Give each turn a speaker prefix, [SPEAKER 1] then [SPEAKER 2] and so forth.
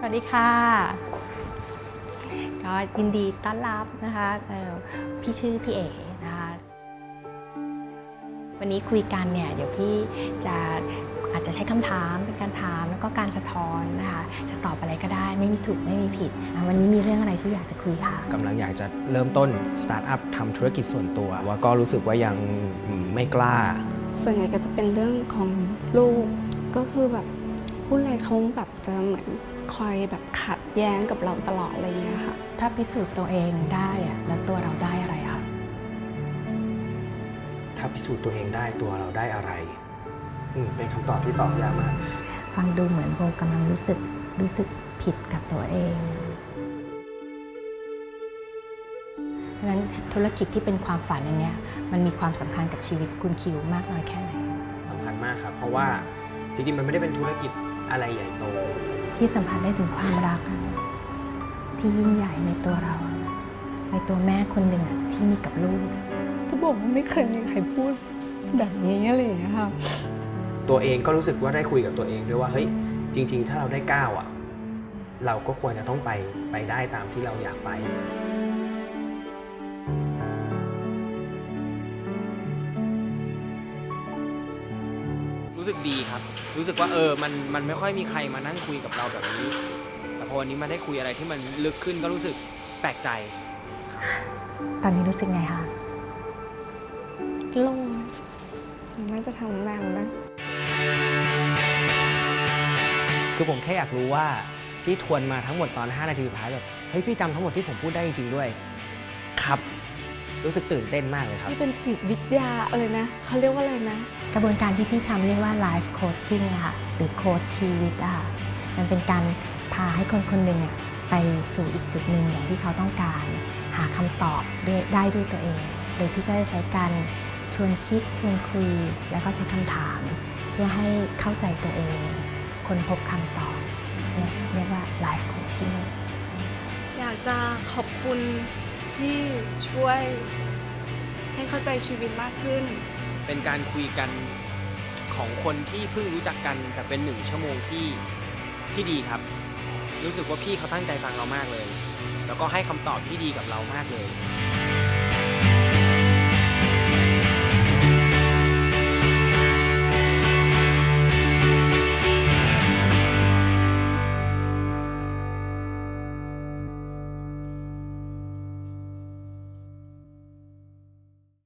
[SPEAKER 1] วัสดีค่ะก็ยินดีต้อนรับนะคะพี่ชื่อพี่เอ๋นะคะวันนี้คุยกันเนี่ยเดี๋ยวพี่อาจจะใช้คำถามเป็นการถามแล้วก็การสะท้อนนะคะจะตอบอะไรก็ได้ไม่มีถูกไม่มีผิดวันนี้มีเรื่องอะไรที่อยากจะคุยค่ะ
[SPEAKER 2] กำลังอยากจะเริ่มต้นสตาร์ทอัพทำธุรกิจส่วนตัวว่าก็รู้สึกว่ายังไม่กล้า
[SPEAKER 3] ส่วนใหญ่ก็จะเป็นเรื่องของลูกก็คือแบบพูดอะไรเขาแบบจะเหมือนคอยแบบขัดแย้งกับเราตลอดอะไรเงี้ยค่ะ
[SPEAKER 1] ถ้าพิสูจน์ตัวเองได้แล้วตัวเราได้อะไรคะ
[SPEAKER 2] ถ้าพิสูจน์ตัวเองได้ตัวเราได้อะไรเป็นคำตอบที่ตอบยากมาก
[SPEAKER 1] ฟังดูเหมือนโบกำลังรู้สึกผิดกับตัวเองเพราะฉะนั้นธุรกิจที่เป็นความฝันอันนี้มันมีความสำคัญกับชีวิตคุณคิวมากน้อยแค่ไหน
[SPEAKER 2] สำคัญมากครับเพราะว่าจริงๆมันไม่ได้เป็นธุรกิจอะไรใหญ่โต
[SPEAKER 1] ที่สัมผัสได้ถึงความรักที่ยิ่งใหญ่ในตัวเราในตัวแม่คนหนึ่งที่มีกับลูก
[SPEAKER 3] จะบอกว่าไม่เคยมีใครพูดแบบนี้อะไรอย่างเงี้ยค่ะ
[SPEAKER 2] ตัวเองก็รู้สึกว่าได้คุยกับตัวเองด้วยว่าเฮ้ยจริงๆถ้าเราได้ก้าวเราก็ควรจะต้องไปได้ตามที่เราอยากไปรู้สึกดีครับรู้สึกว่ามันไม่ค่อยมีใครมานั่งคุยกับเราแบบนี้แต่พอวันนี้มาได้คุยอะไรที่มันลึกขึ้นก็รู้สึกแปลกใจ
[SPEAKER 1] ตอนนี้รู้สึกไงคะ
[SPEAKER 3] โล่งน่าจะทำนานแล้วนะ
[SPEAKER 2] คือผมแค่อยากรู้ว่าพี่ทวนมาทั้งหมดตอน5 นาทีสุดท้ายแบบเฮ้ยพี่จำทั้งหมดที่ผมพูดได้จริงๆด้วยครับรู้สึกตื่นเต้นมากเลยครับ
[SPEAKER 3] ที่เป็นจิตวิทยาอะไรนะเขาเรียกว่าอะไรนะ
[SPEAKER 1] กระบวนการที่พี่ทำเรียกว่า life coaching ค่ะหรือโค้ชชีวิตค่ะมันเป็นการพาให้คนคนหนึ่งไปสู่อีกจุดหนึ่งอย่างที่เขาต้องการหาคำตอบได้ด้วยตัวเองโดยพี่ก็จะใช้การชวนคิดชวนคุยแล้วก็ใช้คำถามเพื่อให้เข้าใจตัวเองค้นพบคำตอบเนี่ยเรียกว่า life coaching
[SPEAKER 3] อยากจะขอบคุณที่ช่วยให้เข้าใจชีวิตมากขึ้น
[SPEAKER 2] เป็นการคุยกันของคนที่เพิ่งรู้จักกันแต่เป็น1 ชั่วโมงที่ดีครับรู้สึกว่าพี่เขาตั้งใจฟังเรามากเลยแล้วก็ให้คำตอบที่ดีกับเรามากเลย